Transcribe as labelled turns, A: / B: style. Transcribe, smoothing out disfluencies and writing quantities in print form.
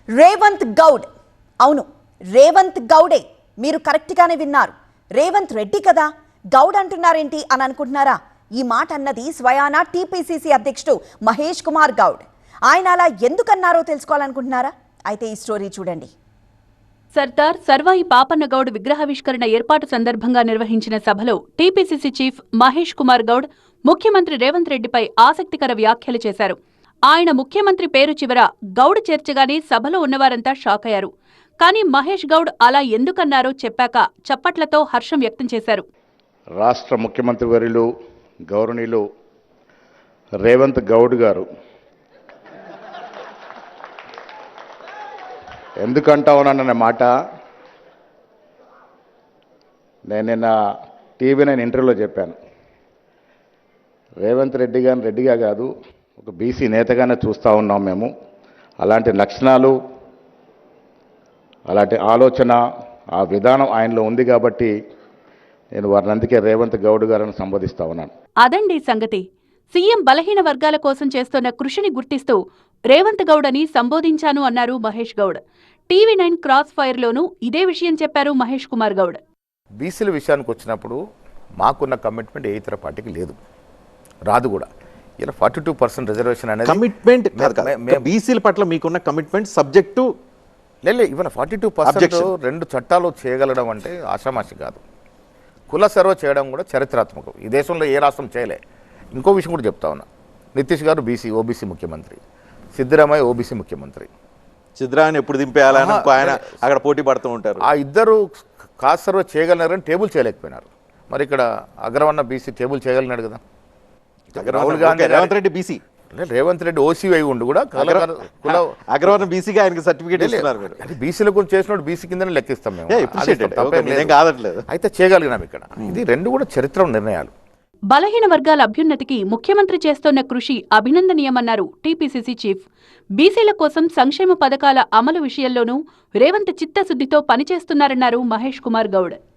A: రేవంత్ గౌడ్. అవును, రేవంత్ గౌడే. మీరు కరెక్ట్గానే విన్నారు. రేవంత్ రెడ్డి కదా, గౌడ్ అంటున్నారేంటి అని అనుకుంటున్నారా? ఈ మాట అన్నది స్వయానా టీపీసీసీ అధ్యక్షుడు మహేష్ కుమార్ గౌడ్. ఆయన అలా ఎందుకన్నారో తెలుసుకోవాలనుకుంటున్నారా? అయితే ఈ స్టోరీ చూడండి.
B: సర్దార్ సర్వాయి పాపన్నగౌడ్ విగ్రహావిష్కరణ ఏర్పాటు సందర్భంగా నిర్వహించిన సభలో టీపీసీసీ చీఫ్ మహేష్ కుమార్ గౌడ్ ముఖ్యమంత్రి రేవంత్ రెడ్డిపై ఆసక్తికర వ్యాఖ్యలు చేశారు. ఆయన ముఖ్యమంత్రి పేరు చివర గౌడ్ చేర్చగానే సభలో ఉన్నవారంతా షాక్ అయ్యారు. కానీ మహేష్ గౌడ్ అలా ఎందుకన్నారో చెప్పాక చప్పట్లతో హర్షం వ్యక్తం చేశారు.
C: రాష్ట్ర ముఖ్యమంత్రి వర్యులు గౌరవనీయులు రేవంత్ గౌడ్ గారు ఎందుకంటా ఉన్నానన్న మాట నేను నిన్న టీవీ నైన్ ఇంటర్వ్యూలో చెప్పాను. రేవంత్ రెడ్డి గారిని రెడ్డిగా కాదు, ఒక బీసీ నేతగానే చూస్తూ ఉన్నాం మేము. అలాంటి లక్షణాలు, అలాంటి ఆలోచన, ఆ విధానం ఆయనలో ఉంది కాబట్టి నేను వారిని అందుకే రేవంత్ గౌడ్ గారిని సంబోధిస్తా ఉన్నాను.
B: అదండి సంగతి. సీఎం బలహీన వర్గాల కోసం చేస్తున్న కృషిని గుర్తిస్తూ రేవంత్ గౌడ్ అని సంబోధించాను అన్నారు మహేష్ గౌడ్. టీవీ 9 క్రాస్ ఫైర్లోనూ ఇదే విషయం చెప్పారు మహేష్ కుమార్ గౌడ్.
D: బీసీల విషయానికి వచ్చినప్పుడు మాకున్న కమిట్మెంట్ ఏ ఇతర పార్టీకి లేదు, రాదు కూడా. ఇలా 42% రిజర్వేషన్ అనేది
E: కమిట్మెంట్ బీసీల పట్ల మీకున్న కమిట్మెంట్ సబ్జెక్టు
D: లేదు. ఇవాళ 42% 2 చట్టాలు చేయగలడం అంటే ఆషామాషి కాదు. కుల సర్వే చేయడం కూడా చరిత్రాత్మకం. ఈ దేశంలో ఏ రాష్ట్రం చేయలే. ఇంకో విషయం కూడా చెప్తా ఉన్నా. నితీష్ గారు ఓబీసీ ముఖ్యమంత్రి, సిద్ధరామయ్య ఓబీసీ ముఖ్యమంత్రి.
E: సిద్ధరామయ్య ఎప్పుడు దింపేయాలని ఆయన అక్కడ పోటీ పడుతూ ఉంటారు.
D: ఆ ఇద్దరు కాస్ట్ సర్వే చేయగలిగినారని టేబుల్ చేయలేకపోయినారు. మరి ఇక్కడ అగ్రవర్ణ బీసీ టేబుల్ చేయగలిగినాడు కదా. రాహుల్ గాంధీ
E: రేవంత్ రెడ్డి బీసీ,
D: రేవంత్ రెడ్డి ఓసీ అయి ఉండి కూడా
E: అగ్రవర్ణ బీసీగా ఆయనకి సర్టిఫికేట్ ఇస్తున్నారు.
D: అంటే బీసీల గురించి చేసినప్పుడు బీసీ కిందనే లెక్కిస్తాం మేము.
E: కాదట్లేదు.
D: అయితే చేయగలిగినాం ఇక్కడ. ఇది రెండు కూడా చరిత్ర నిర్ణయాలు.
B: బలహీన వర్గాల అభ్యున్నతికి ముఖ్యమంత్రి చేస్తోన్న కృషి అభినందనీయమన్నారు టీపీసీసీ చీఫ్. బీసీల కోసం సంక్షేమ పథకాల అమలు విషయంలోనూ రేవంత్ చిత్తశుద్ధితో పనిచేస్తున్నారన్నారు మహేష్ కుమార్ గౌడ్.